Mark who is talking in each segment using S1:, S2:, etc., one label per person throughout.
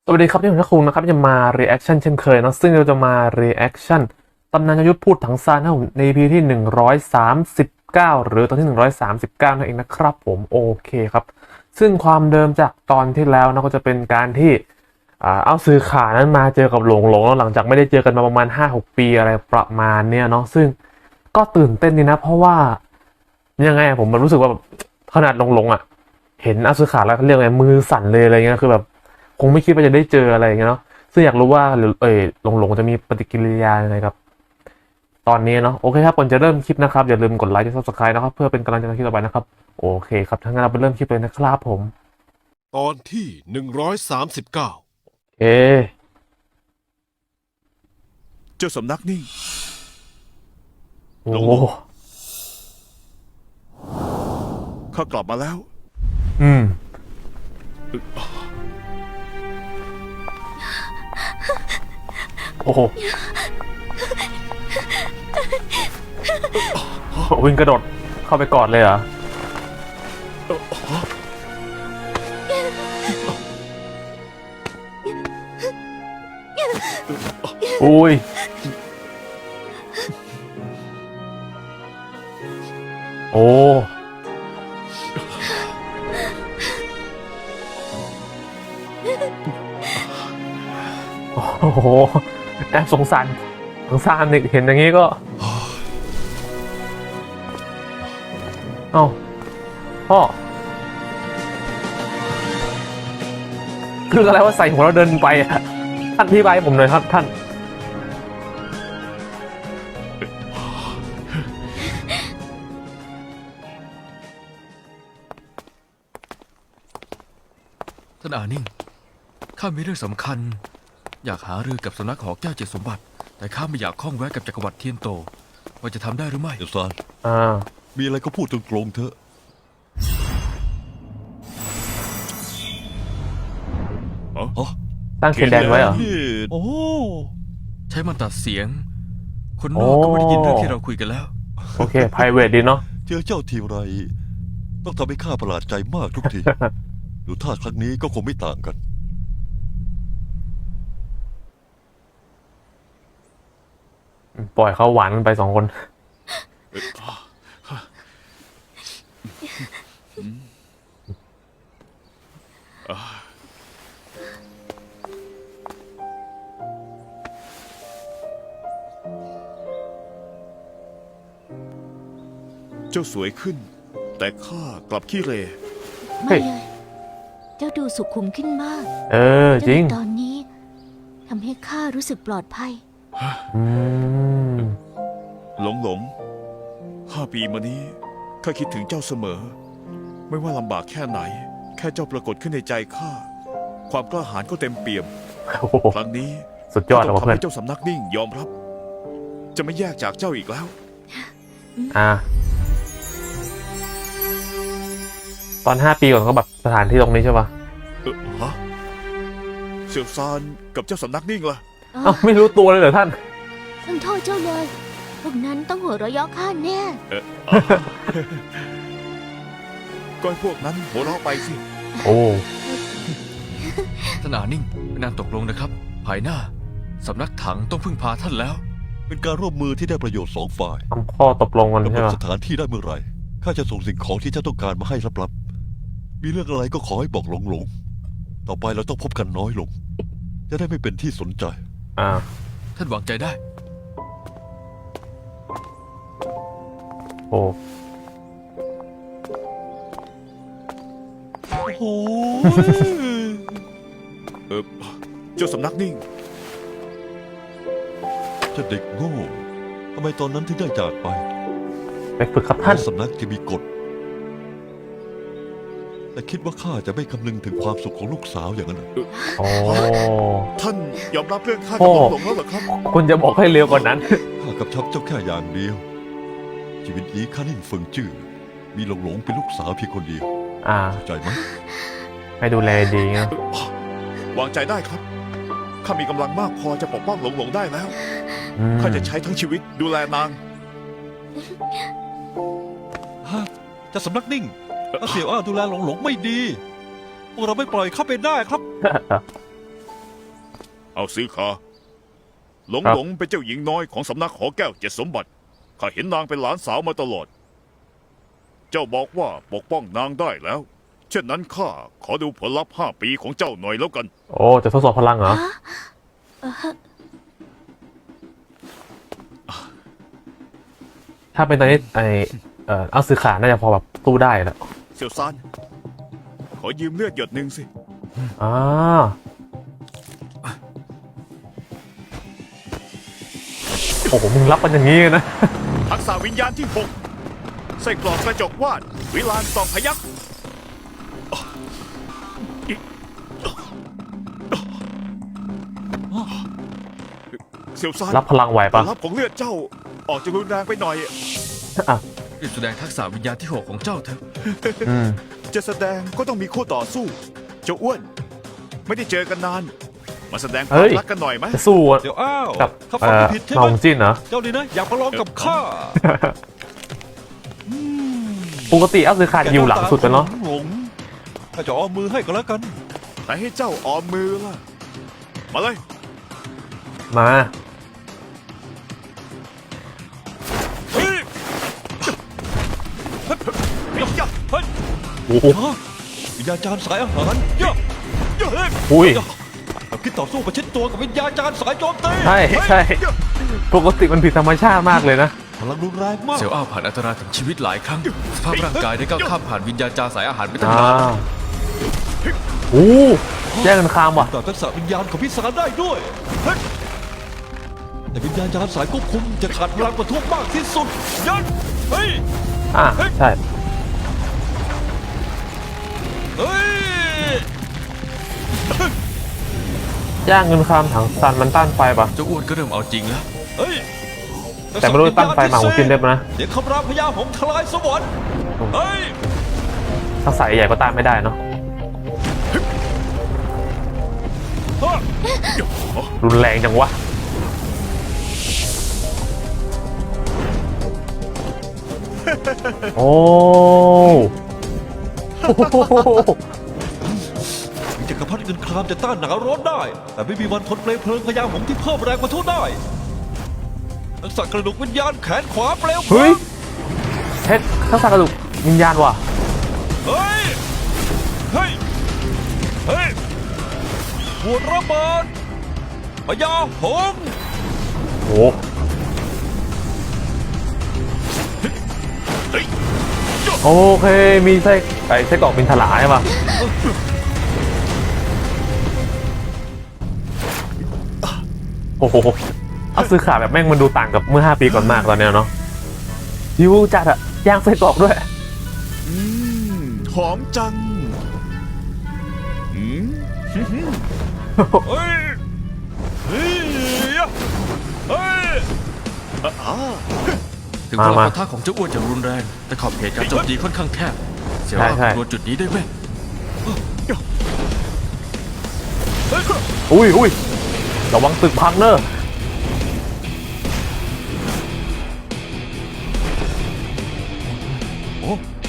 S1: สวัสดีครับนี่ผมทักคุงนะครับจะมา reaction เช่นเคยนะซึ่งเราจะมา reaction ตำนานยุทธพูดถังซานนะผมใน EP ที่139หรือตอนที่139นั่นเองนะครับผมโอเคครับซึ่งความเดิมจากตอนที่แล้วนะก็จะเป็นการที่เอาซื้อขานั้นมาเจอกับหลงแล้วหลังจากไม่ได้เจอกันมาประมาณ 5-6 ปีอะไรประมาณเนี้ยเนาะซึ่งก็ตื่นเต้นดีนะเพราะว่ายังไงผมมันรู้สึกว่าแบบขนาดหลงอ่ะเห็นอาซึขาแล้วเขาเรียกไงมือสั่นเลยอะไรเงี้ยคือแบบ คงไม่คิดว่าจะได้เจออะไรอย่างเงี้ยเนาะซึ่งอยากรู้ว่าหลงจะมีปฏิกิริยายังไงครับตอนนี้เนาะโอเคครับก่อนจะเริ่มคลิปนะครับอย่าลืมกดไลค์และ Subscribe นะครับเพื่อเป็นกำลังใจในคลิปต่อไปนะครับโอเคครับทั้างนั้นเราไปเริ่มคลิปเลยนะครับผม
S2: ตอนที่139
S1: โอเค
S2: เจ้าสำนักนิ่ง
S1: โอ้
S2: หลง
S1: โห
S2: ข้ากลับมาแล้ว
S1: อืมโอ้โหวิ่งกระโดดเข้าไปกอดเลยเหรออุ้ยโอ้โอ้โหแอบสงสารเด็กเห็นอย่างนี้ก็เอ้าพ่อคืออะไรว่าใส่หัวเราเดินไปอะท่านอธิบายให้ผมหน่อยครับท่าน
S3: ท่านอานิ่งข้ามีเรื่องสำคัญอยากหารือกับสำนักหอแก้วเจ็ดสมบัติแต่ข้าไม่อยากข้องแวะกับจักรวรรดิเทียนโตว่าจะทำได้หรือไม่
S4: เดี๋ยวซาน
S1: อ่า
S4: มีอะไรก็พูดตรงๆเถอะอ๋อ
S1: ตั้งเขียนแดนไว้เหรอ
S4: นี่โอ้
S3: ใช้มันตัดเสียง คนนอกก็ไม่ได้ยินเรื่องที่เราคุยกันแล้ว
S1: โอเค private ดีเนาะ
S4: เจอเจ้าทีไรต้องทำให้ข้าประหลาดใจมากทุกที ดูท่าครั้งนี้ก็คงไม่ต่างกัน
S1: ปล่อยเขาหวานกันไป2 คน
S2: เจ้าสวยขึ้น แต่ข้ากลับขี้เหร
S1: เฮ้
S5: ไม่
S1: ย
S5: เลย เจ้าดูสุขุมขึ้นมาก
S1: เออ จริง
S5: ตอนนี้ทำให้ข้ารู้สึกปลอดภัย
S1: อืม
S2: หลง5 ปีมานี้ข้าคิดถึงเจ้าเสมอ ไม่ว่าลำบากแค่ไหน แค่เจ้าปรากฏขึ้นในใจข้าความกล้าหาญก็เต็มเปี่ยม
S1: โอ้โห
S2: ครั้งนี้
S1: สุดยอด
S2: ข้า
S1: เลย
S2: ต้อ
S1: ว่ะ
S2: งทำ
S1: เพื่อน
S2: ให้เจ้าสำนักนิ่งยอมรับ จะไม่แยกจากเจ้าอีกแล้ว
S1: อ่า ตอน 5 ปีก่อนก็แบบสถานที่ตรงนี้ใช่ปะ
S2: ฮะเสี่ยวซานกับเจ้าสำนักนิ่งล่ะ
S1: เอ้าไม่รู้ตัวเลยเหรอท่าน
S5: ต้องโทษเจ้าเลย พวกนั้นต้องหัวเราะเยาะข้าแน่
S2: ก็ให้พวกนั้นหัวเราะไปสิ
S1: โอ้
S3: ท่านอานิ่งเป็นนานตกลงนะครับ ภายหน้าสำนักถังต้องพึ่งพาท่านแล้ว
S4: เป็นการร่วมมือที่ได้ประโยชน์สองฝ่าย
S1: ทำข้อตกลงกัน
S4: กำหน
S1: ใช่
S4: ด
S1: ปะ
S4: สถานที่ได้เมื่อไหร่ข้าจะส่งสิ่งของที่เจ้าต้องการมาให้ลับๆมีเรื่องอะไรก็ขอให้บอกหลงๆต่อไปเราต้องพบกันน้อยลง จะได้ไม่เป็นที่สนใจ
S1: อ่า
S3: ท่านวางใจได้
S1: โอ้
S4: โอ้โห
S2: เจ้าสำนักนิ่ง
S4: เจ้าเด็กโง่ทำไมตอนนั้นถึงได้จากไป
S1: ไปฝึกครับท่าน
S4: สำนักจะมีกฎ แต่คิดว่าข้าจะไม่คำนึงถึงความสุขของลูกสาวอย่างนั้นเหรอ
S1: โอ้
S2: ท่านยอมรับเรื่องข้า
S1: โอ้
S2: กับหลงแล้วเหรอครับ
S1: คุณจะบอกให้เร็วกว่านั้น
S4: ข้ากับชับเจ้าแค่อย่างเดียว ชีวิตนี้ข้านิ่งเฟิงจื้อมีหลงเป็นลูกสาวเพียงคนเดียว
S1: อ่า
S4: เข้าใจไหม
S1: ให้ดูแลดีนะ
S2: วางใจได้ครับ ข้ามีกำลังมากพอจะปกป้องหลงได้แล้ว
S1: อืม
S2: ข้าจะใช้ทั้งชีวิตดูแลนาง
S4: ฮะจะสำนักนิ่งถ้าเสี่ยวอ้าดูแลหลงไม่ดีพวกเราไม่ปล่อยเข้าไปได้ครับ
S2: เอาซื้อขาหลงหลงเป็นเจ้าหญิงน้อยของสำนักหอแก้วเจ็ดสมบัติข้าเห็นนางเป็นหลานสาวมาตลอด เจ้าบอกว่าปกป้องนางได้แล้ว เช่นนั้นข้าขอดูผลลัพธ์5 ปีของเจ้าหน่อยแล้วกัน
S1: โอ้จะทดสอบพลังเหรอ ถ้าเป็นตอนนี้เอาซื้อขาน่าจะพอแบบสู้ได้แล้ว
S2: เสี่ยวซานขอยืมเลือดหยดหนึ่งสิ
S1: อ่าโอ้โหมึงรับมันอย่างนี้นะ
S2: ทักษะวิญญาณที่6ไส้กรอกกระจกวาดวิลานสองพยัคฆ์เสี่ยวซาน
S1: รับพลังไหว
S2: ผ
S1: ปะ
S2: ลลัพธ์ของเลือดเจ้าออกจะรุนแรงไปหน่อย
S1: อ่ะ
S3: รีบแสดงทักษะวิญญาณที่ 6 ของเจ้าเถอะ
S1: อืม
S2: จะแสดงก็ต้องมีคู่ต่อสู้เจ้าอ้วน ไม่ได้เจอกันนาน มาแสดงความรักกันหน่อยไหม
S1: จะสู้
S4: เดี๋ยวอ้าว
S1: กับ
S4: ข้าฟังผิดใช่ไห
S1: น้
S4: ม
S1: องจิ้นเหรอ
S4: เจ้านี่นะอยากมาลองกับข้า
S1: ปกติเอาซื้อขาอยู่หลังสุดกันเนาะ
S4: หลงข้าจะเอามือให้ก็แล้วกัน
S2: แต่ให้เจ้าออมมือล่ะ มาเลย
S1: มา
S2: เฮ้ย
S4: เฮ้ย
S1: โอ้โห
S4: วิญญาณจารย์สายอาหารย่ะ
S1: อุ้ย
S4: เราคิดต่อสู้ประชิดตัวกับวิญญาณจารย์สายโจมตี
S1: ใช่ใช่ปกติมันผิดธรรมชาติมากเลยนะ
S4: พลังรุนแรงมาก
S3: เสี่ยวอ้าวผ่านอันตรายถึงชีวิตหลายครั้ง สภาพร่างกายได้ก้าวข้ามผ่านวิญญาณจาสายอาหารไปตั้ง
S1: อ่าน
S3: าน
S1: โอ้แย่งกันข้ามว่ะ
S4: ต่อทักษะวิญญาณของพิสารได้ด้วยเฮ้ยแต่วิญญาณจารย์สายควบคุมจะขาดพลังประทุมากที่สุดยันเฮ้ย
S1: อ่ะใช่
S4: เฮ้ย
S1: ย่างเงินคามถังซันมันต้านไฟปะ
S3: เจ้าอ้วนก็เริ่มเอาจริงแล้ว
S4: เฮ้ย
S1: แต่ไม่รู้จะต้านไฟมาของจินได้ปะนะ
S4: เดี๋ยวคำรามพญาหงส์ทลายสวรรค์เฮ้ย
S1: ถ้าใส่ใหญ่ก็ต้านไม่ได้เนาะรุนแรงจังวะโอ้โห
S4: จักรพรรดิเงินครามจะต้านหนาวร้อนได้ แต่ไม่มีวันทนเปลวเพลิงพญาหงส์ที่เพิ่มแรงประทุได้ทักษะกระดูกวิญญาณแขนขวาเปลวเพลิ
S1: เฮ้ย
S4: ง
S1: เฮ็ดทักษะกระดูกวิญญาณว่ะ
S4: เฮ้ย เฮ้ย เฮ้ยหัวระเบิดพญาหงส์
S1: โอ้โอเค มีไส้กรอกบินถลาใช่ปะโอ้โหเอาซื้อขาแบบแม่งมันดูต่างกับเมื่อ5 ปีก่อนมากตอนเนี้ยเนาะยิวจัดอะย่างไส้กรอกด้วย
S2: หอมจังอืม
S4: เฮ้ย เฮ้ย เฮ้ย
S3: ถึงพลัง
S1: มา
S3: ปะทะของเจ้าอ้วนจะรุนแรง แต่ขอบเขตการโจมตีค่อนข้างแคบ เสี่ยว
S1: ใช่
S3: อ้าว
S1: ใช่
S3: รวนจุดนี้ได้ไหม
S1: อุ้ยระวังตึกพังเนอะโอ้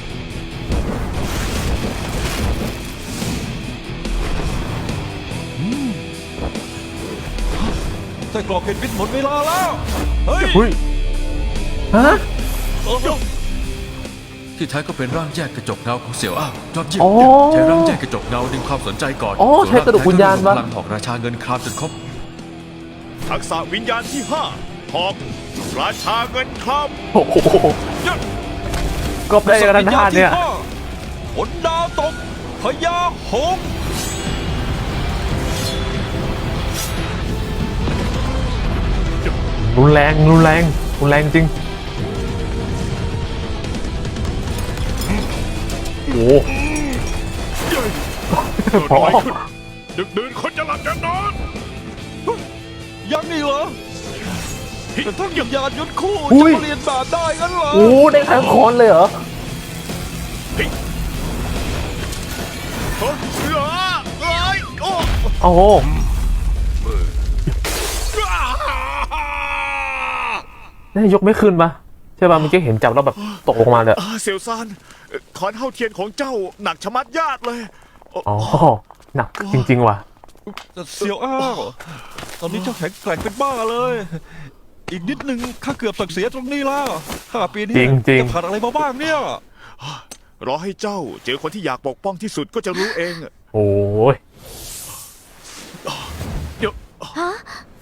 S4: ไส้กรอกเห็นพิษหมดเวลาแล้ว เฮ้ย
S1: หุ้ยฮะ
S3: ที่แท้ก็เป็นร่างแยกกระจกเงาของเสี่ยวอ้าวยอดเยี่ยม
S1: อ๋อ
S3: ใช้ร่างแยกกระจกเงาดึงความสนใจก่อน
S1: อ๋อใช้กระดูกวิญญาณ
S3: ส่ว
S1: วะ
S3: ร่งแท้ก็รวมพลังของราชาเงินครามจนครบ
S2: ทักษะวิญญาณที่5หอกราชาเงินคราม
S1: โอ้โหก็ได้กันทั้งท่านเนี่ย
S4: ผลดาวตกพญาหงส์
S1: รุนแรงจริง โอ้โหพอ
S2: ดึกดื่นคนจะหลับจะนอน
S4: ยังนี่เหรอเป็นทั้งวิญญาณยุทธคู่
S1: อุ้
S4: จะ
S1: ย
S4: มาเรียนแบบได้งั้นเหรอ
S1: โอ้ได้ทั้งคอนเลยเหรอ
S2: เฮ้ยเฮ้ยเอ้ยโอ้
S1: โอ้โหนี่ยกไม่ขึ้นปะใช่ปะเมื่อกี้เห็นจับแล้วแบบตกลงมาเลยอะ
S2: เสี่ยวซานขอนเฮาเทียนของเจ้าหนักชะมัดญาติเลย
S1: อ๋อ หนักจริงๆว่ะ
S4: เสี่ยวอ้าวตอนนี้เจ้าแข็งแกร่งเป็นบ้าเลย อีกนิดนึงข้าเกือบสักเสียตรงนี้แล้ว5 ปีนี้
S1: จริงๆ
S4: จะผ่านอะไรมาบ้างเนี่ย
S2: รอให้เจ้าเจอคนที่อยากปกป้องที่สุดก็จะรู้เองอะ
S1: โอ้ย
S5: ฮะ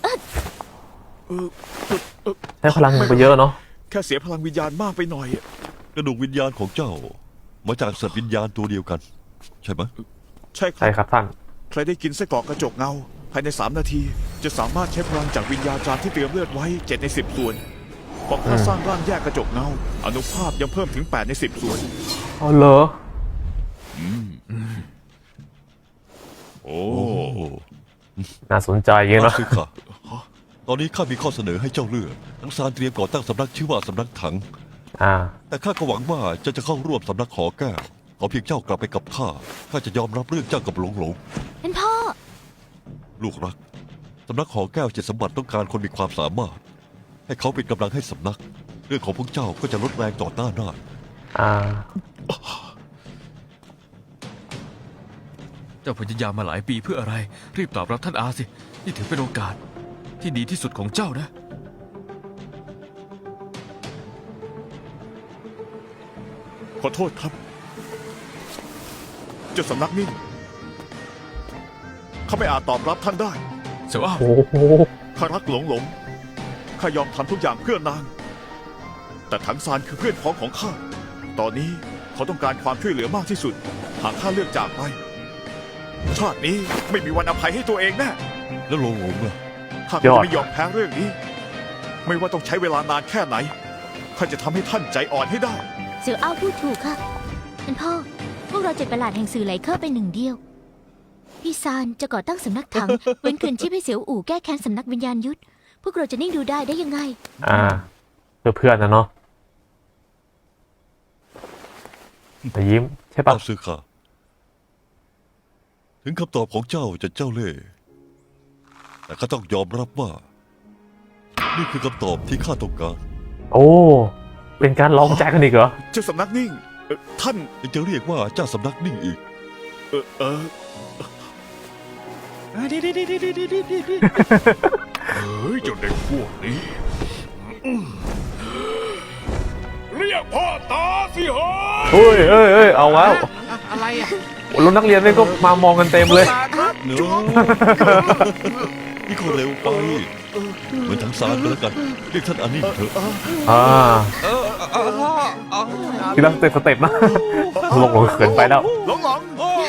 S1: ใช้พลังไปเยอะเนาะ
S2: แค่เสียพลังวิญญาณมากไปหน่อยอะ
S4: กระดูกวิญญาณของเจ้า มาจากสัตว์วิญญาณตัวเดียวกัน ใช่ไหม
S2: ใช่ค
S1: ใช่
S2: รับ
S1: ครับท่าน
S2: ใครได้กินไส้กรอกกระจกเงา ภายใน 3 นาที จะสามารถใช้พลังจากวิญญาณจารย์ที่เตรียมเลือดไว้ 7 ใน 10 ส่วนพอข้าสร้างร่างแยกกระจกเงาอนุภาพยังเพิ่มถึง 8 ใน 10 ส่วน
S1: อ๋อเหรอ
S2: โอ้
S4: โอ้โห
S1: น่าสนใจเยอะ
S4: อา
S1: เนาะ
S4: ซึค่ะตอนนี้ข้ามีข้อเสนอให้เจ้าเลือกทั้งซานเตรียมก่อตั้งสำนักชื่อว่าสำนักถัง แต่ข้าก็หวังว่าเจ้าจะเข้าร่วมสำนักหอแก้วขอเพียงเจ้ากลับไปกับข้าข้าจะยอมรับเรื่องเจ้ากับหลงหลง
S5: ท่านพ่อ
S4: ลูกรักสำนักหอแก้ว7 สมบัติต้องการคนมีความสามารถ ให้เขาเป็นกำลังให้สำนัก เรื่องของพวกเจ้าก็จะลดแรงต่อต้านได้
S1: อ่า
S3: เจ้าพยายามมาหลายปีเพื่ออะไร รีบตอบรับท่านอาสิ นี่ถือเป็นโอกาสที่ดีที่สุดของเจ้านะ
S2: ขอโทษครับ เจ้าสำนักนิ่งข้าไม่อาจตอบรับท่านได้
S3: เสี่ยวอ้าว
S1: โอ้โห
S2: ข้ารักหลงหลงข้ายอมทำทุกอย่างเพื่อนาง แต่ถังซานคือเพื่อนพ้องของข้า ตอนนี้เขาต้องการความช่วยเหลือมากที่สุด หากข้าเลือกจากไป ชาตินี้ไม่มีวันอภัยให้ตัวเองแน่
S4: แล้วหลงหลงล่ะ
S2: ข้าก็จะไม่ยอมแพ้เรื่องนี้ ไม่ว่าต้องใช้เวลานานแค่ไหน ข้าจะทำให้ท่านใจอ่อนให้ได้
S5: เสี่ยวอ้าวพูดถูกค่ะ ท่านพ่อ พวกเราเจ็ดประหลาดแห่งสื่อไหลเคอร์เป็นหนึ่งเดียว พี่ซานจะก่อตั้งสำนักถัง เว้นคืนชีพให้เสี่ยวอู่แก้แค้นสำนักวิญญาณยุทธ พวกเราจะนิ่งดูได้ยังไง
S1: เพื่อนนะเนาะแต่ยิ้มใช่ปะ
S4: อาซึค่ะถึงคำตอบของเจ้าจะเจ้าเล่ห์แต่ข้าต้องยอมรับว่า นี่คือคำตอบที่ข้าต้องการ
S1: โอ้ เป็นการลองใจกันอีกเหรอ
S2: เจ้าสำนักนิ่งท่าน
S4: ยังจะเรียกว่าเจ้าสำนักนิ่งอีก
S2: เออ
S6: เฮ้ยเจ้าเด็กพวกนี้เรียกพ่อตาสิเฮ้ย
S1: เฮ้ย เอาแล้ว
S6: อะไรอ่ะ
S1: รุ่นนักเรียนนี่ก็มามองกันเต็มเลย
S4: เนื้อนี่ก็เร็วไป เหมือนทั้งสารก็แล้วกัน เรียกท่านอันนี้เถอะ
S1: ทีละสเต็ปนะลงเขินไปแล้ว
S2: หลงหลง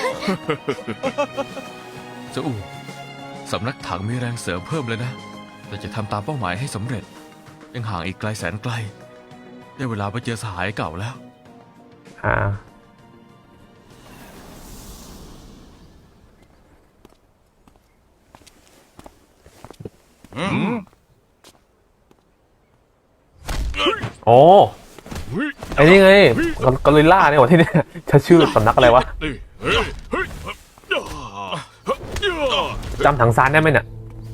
S3: เสี่ยวอู่สำนักถังมีแรงเสริมเพิ่มเลยนะ แต่จะทำตามเป้าหมายให้สำเร็จ ยังห่างอีกไกลแสนไกล ได้เวลาไปเจอสหายเก่าแล้ว
S1: โอ้ไอ้นี่ไงกอริลล่าเนี่ยหว่าที่เนี่ยจะชื่อสำนักอะไรวะ
S6: นี่เฮ้ยเฮ้ย
S1: จำถังซานได้ไหมเนี่ย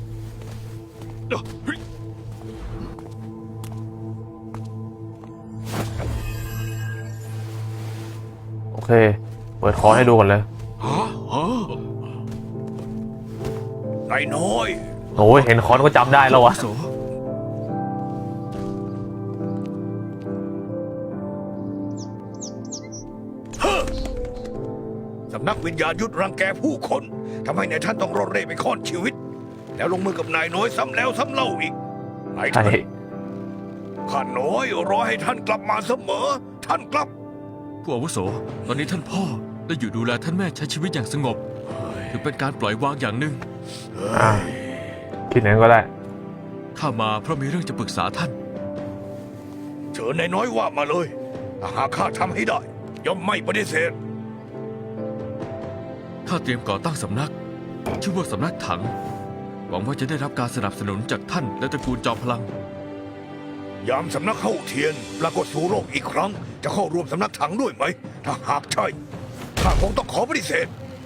S1: โอเค เปิดคอให้ดูก่อนเลย
S6: นายน้อย
S1: โอ้ยเห็นคอนก็จำได้แล้ววะ
S3: โส
S6: สำนักวิญญาณยุทธรังแกผู้คนทำให้นายท่านต้องรอดเร่ไปค่อนชีวิต แล้วลงมือกับนายน้อยซ้ำแล้วซ้ำเล่าอีกนาย
S1: ใช่
S6: ท่านข้าน้อยรอให้ท่านกลับมาเสมอ ท่านกลับ
S3: ผู้อาวุโส ตอนนี้ท่านพ่อได้อยู่ดูแลท่านแม่ใช้ชีวิตอย่างสงบ ถือเป็นการปล่อยวางอย่างหนึ่ง
S1: คิดอย่างนั้นก็ได้
S3: ข้ามาเพราะมีเรื่องจะปรึกษาท่าน
S6: เชิญนายน้อยว่ามาเลยถ้าหากข้าทำให้ได้ ย่อมไม่ปฏิเสธ
S3: ข้าเตรียมก่อตั้งสำนัก ชื่อว่าสำนักถัง หวังว่าจะได้รับการสนับสนุนจากท่านและตระกูลจอมพลัง
S6: ยามสำนักเข้าเทียน ปรากฏสู่โลกอีกครั้ง จะเข้าร่วมสำนักถังด้วยไหม ถ้าหากใช่ข้าคงต้องขอปฏิเสธ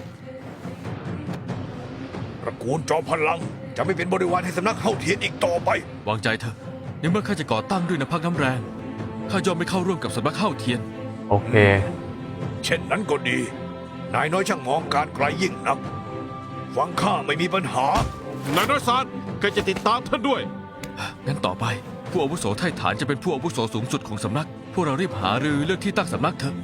S6: ตระกูลจอมพลังจะไม่เป็นบริวารให้สำนักเข้าเทียนอีกต่อไป
S3: วางใจเถอะในเมื่อข้าจะก่อตั้งด้วยน้ำพักน้ำแรงข้ายอมไม่เข้าร่วมกับสำนักเข้าเทียน
S1: โอเค
S6: เช่นนั้นก็ดี นายน้อยช่างมองการไกลยิ่งนักฟังข้าไม่มีปัญหา
S7: นายน้อยซานก็จะติดตามท่านด้วย
S3: งั้นต่อไปผู้อาวุโสไทฐานจะเป็นผู้อาวุโสสูงสุดของสำนัก พวกเรารีบหารือเรื่องที่ตั้งสำนักเถอะ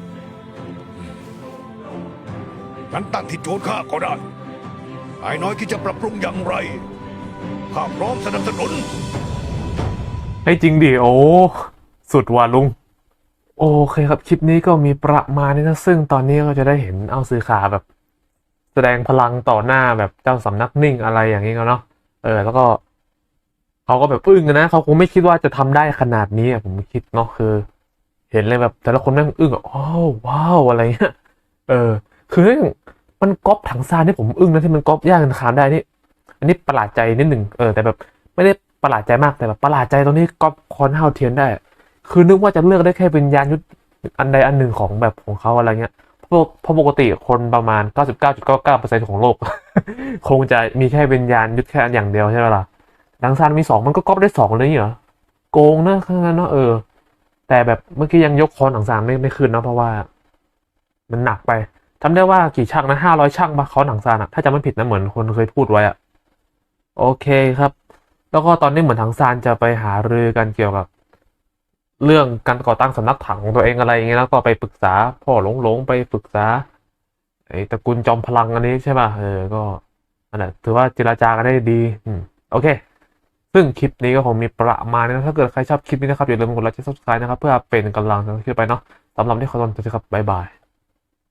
S6: งั้นตั้งที่โจทย์ข้าก็ได้นายน้อยคิดจะปรับปรุงอย่างไร ข้าพร้อมสนับสนุน
S1: ให้จริงดิโอ้สุดว่ะลุงโอเคครับคลิปนี้ก็มีประมาณนี้นะซึ่งตอนนี้ก็จะได้เห็นเอาซื้อขาแบบ แสดงพลังต่อหน้าแบบเจ้าสำนักนิ่งอะไรอย่างนี้เนาะแล้วก็เขาก็แบบอึ้งนะเขาคงไม่คิดว่าจะทำได้ขนาดนี้ผมคิดเนาะคือ เห็นเลยแบบแต่ละคนแม่งอึ้งอ๋อว้าวอะไรเงี้ยคือมันก๊อปถังซานที่ผมอึ้งนะที่มันก๊อปย่างกันคามได้นี่อันนี้ประหลาดใจนิดหนึ่งแต่แบบไม่ได้ประหลาดใจมากแต่แบบประหลาดใจตรงนี้ก๊อปคอนเฮาเทียนได้ คือนึกว่าจะเลือกได้แค่วิญญาณยุทธอันใดอันหนึ่งของแบบของเขาอะไรเงี้ยเพราะปกติคนประมาณ 99.99% ของโลก คงจะมีแค่วิญญาณยุทธแค่อันอย่างเดียวใช่ไหมล่ะดังซานมี2มันก็ก๊อปได้2เลยเหรอโกงนะข้างนั้นเนาะแต่แบบเมื่อกี้ยังยกคอนถังซานไม่ขึ้นเนาะเพราะว่ามันหนักไปทำได้ว่ากี่ช่างนะ500ช่างปะคอนถังซานอะถ้าจำไม่ผิดนะเหมือนคนเคยพูดไว้อะโอเคครับ แล้วก็ตอนนี้เหมือนถังซานจะไปหารือกันเกี่ยวกับเรื่องการก่อตั้งสำนักถังของตัวเองอะไรอย่างเงี้ยแล้วก็ไปปรึกษาพ่อหลงไปปรึกษาไอ้ตระกูลจอมพลังอันนี้ใช่ป่ะก็นั่นแหละถือว่าเจรจากันได้ดีโอเคซึ่งคลิปนี้ก็คงมีประมาณนี้นะถ้าเกิดใครชอบคลิปนี้นะครับอย่าลืมกดไลค์และ Subscribe นะครับเพื่อเป็นกำลังใจขึ้นไปเนาะสำหรับที่ขอตัวนะครับบ๊ายบาย